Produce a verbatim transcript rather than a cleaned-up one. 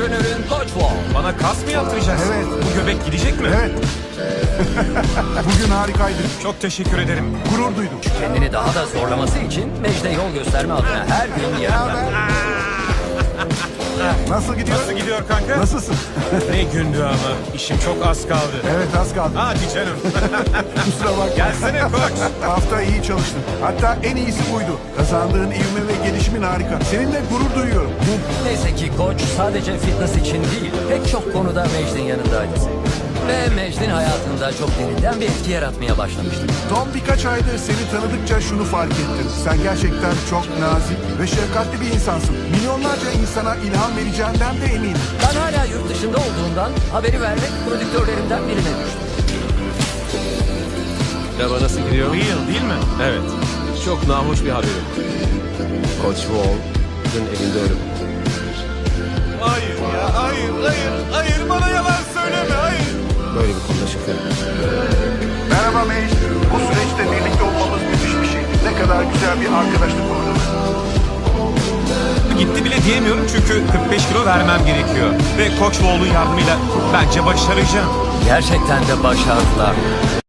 antrenörün Koç Wall. Bana kas mı yaptıracaksın? Evet. Bu göbek gidecek mi? Evet. Bugün harikaydı. Çok teşekkür ederim. Gurur duydum. Kendini daha da zorlaması için Mecde yol gösterme adına her gün yarım yaptı. Nasıl gidiyor? Nasıl gidiyor kanka? Nasılsın? Ne gündü ama. İşim çok az kaldı. Evet, az kaldı. Hadi canım. Kusura bakma. Gelsene koç. Hafta iyi çalıştın. Hatta en iyisi buydu. Kazandığın ivme ve gelişimin harika. Seninle gurur duyuyorum. Neyse ki Koç sadece fitness için değil, pek çok konuda Mecd'in yanındaydı. Ve Mecd'in hayatında çok derinden bir etki yaratmaya başlamıştı. Son birkaç aydır seni tanıdıkça şunu fark ettim. Sen gerçekten çok nazik ve şefkatli bir insansın. Milyonlarca insana ilham vereceğinden de eminim. Ben hala yurt dışında olduğundan haberi vermek prodüktörlerimden birine düştü. Merhaba, nasıl gidiyor? Real değil mi? Evet. Çok nahoş bir haberim. Coach Wall dün evinde ölüm. Hayır ya, hayır, hayır, hayır. Bana yalan söyleme, hayır. Böyle bir konuda şüphe. Merhaba Mage. Bu süreçte birlikte olmamız müthiş bir şey. Ne kadar güzel bir arkadaşlık kurduk. Gitti bile diyemiyorum çünkü kırk beş kilo vermem gerekiyor. Ve Koç Wall'un yardımıyla bence başaracağım. Gerçekten de başardılar.